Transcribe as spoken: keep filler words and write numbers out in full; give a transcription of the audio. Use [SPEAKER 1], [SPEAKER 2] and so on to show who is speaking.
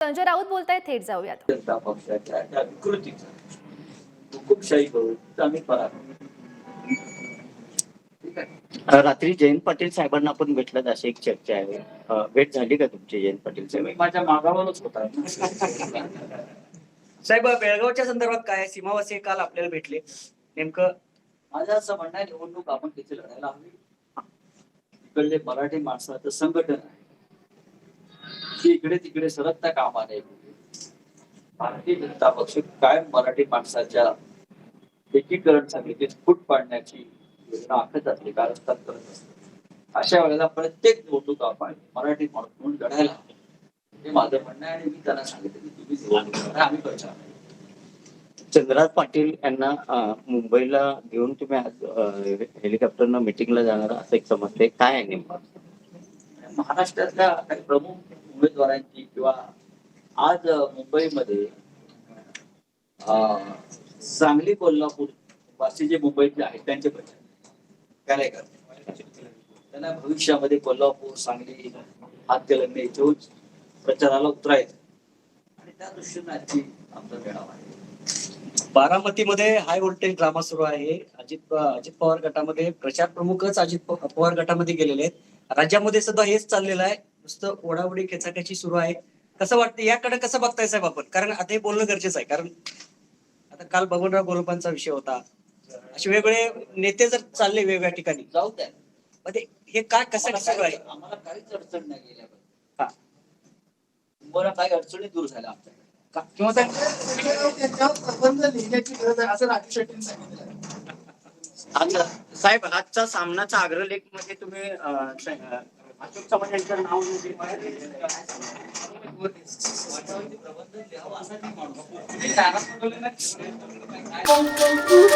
[SPEAKER 1] संजय राऊत बोलताय, थेट जाऊयात.
[SPEAKER 2] जनता पक्षाच्या त्या विकृतीचा हुकुमशाही करून आम्ही पराभव.
[SPEAKER 3] रात्री जयंत पाटील साहेबांना आपण भेटलात अशी एक चर्चा आहे. अ, भेट झाली का तुमची जयंत पाटील साहेब?
[SPEAKER 2] माझ्या मागावरच होता.
[SPEAKER 4] साहेब, बेळगावच्या संदर्भात काय सीमावासी काल आपल्याला भेटले, नेमकं
[SPEAKER 2] माझं असं म्हणणं आहे, निवडणूक आपण तिथे लढायला हवी. इकडले मराठी माणसाचं संघटन आहे की इकडे तिकडे सरकता कामा नये. भारतीय जनता पक्ष कायम मराठी माणसाच्या एकीकरण समितीत फूट पाडण्याची योजना आखत असते, कारस्थान करत असते. अशा वेळेला प्रत्येक निवडणूक आपण मराठी माणूस म्हणून लढायला हवी, हे माझं म्हणणं आहे. आणि मी त्यांना सांगितलं की तुम्ही निवडणूक लढा, आम्ही प्रचार नाही.
[SPEAKER 3] चंद्रराज पाटील यांना अ, मुंबईला घेऊन तुम्ही आज अ, हेलिकॉप्टरनं मिटिंगला जाणार असं एक समजते, काय आहे नेमकं?
[SPEAKER 2] महाराष्ट्रातल्या काही प्रमुख उमेदवारांची किंवा आज मुंबईमध्ये अं, सांगली, कोल्हापूर वासी जे मुंबईतले आहेत त्यांचे प्रचार काय करतात. त्यांना भविष्यामध्ये कोल्हापूर, सांगली, हातकलंगणे इथून प्रचाराला उतरायचं आणि त्या दृष्टीने आजची आमचा मेळावा आहे.
[SPEAKER 4] बारामतीमध्ये हाय व्होल्टेज ड्रामा सुरू आहे. अजित अजित पवार गटामध्ये प्रचार प्रमुखच अजित पवार गटामध्ये गेलेले आहेत. राज्यामध्ये सुद्धा हेच चाललेलं आहे, नुसतं ओढाओढी खेचाखेची सुरू आहे. कसं वाटतं, याकडे कसं बघताय साहेब आपण? कारण आता हे बोलणं गरजेचं आहे, कारण आता काल बबनराव गोलपांचा विषय होता. असे वेगवेगळे नेते जर चालले वेगवेगळ्या ठिकाणी,
[SPEAKER 2] जाऊ द्या,
[SPEAKER 4] मध्ये हे काय कसं सुरू आहे?
[SPEAKER 2] आम्हाला काहीच अडचण नाही गेल्या.
[SPEAKER 4] हा.
[SPEAKER 2] तुम्हाला काही अडचणी दूर झाल्या आमच्याकडे
[SPEAKER 4] का- किंवा काय
[SPEAKER 5] प्रबंध लिहिण्याची गरज आहे असं राजू शेट्टींनी सांगितलं.
[SPEAKER 3] आता साहेब, आजचा सामनाचा अग्रलेख मध्ये तुम्ही अ, स- अ, अशोक चव्हाण यांचं नाव म्हणजे
[SPEAKER 2] प्रबंध लिहावं असा नाही माणूस.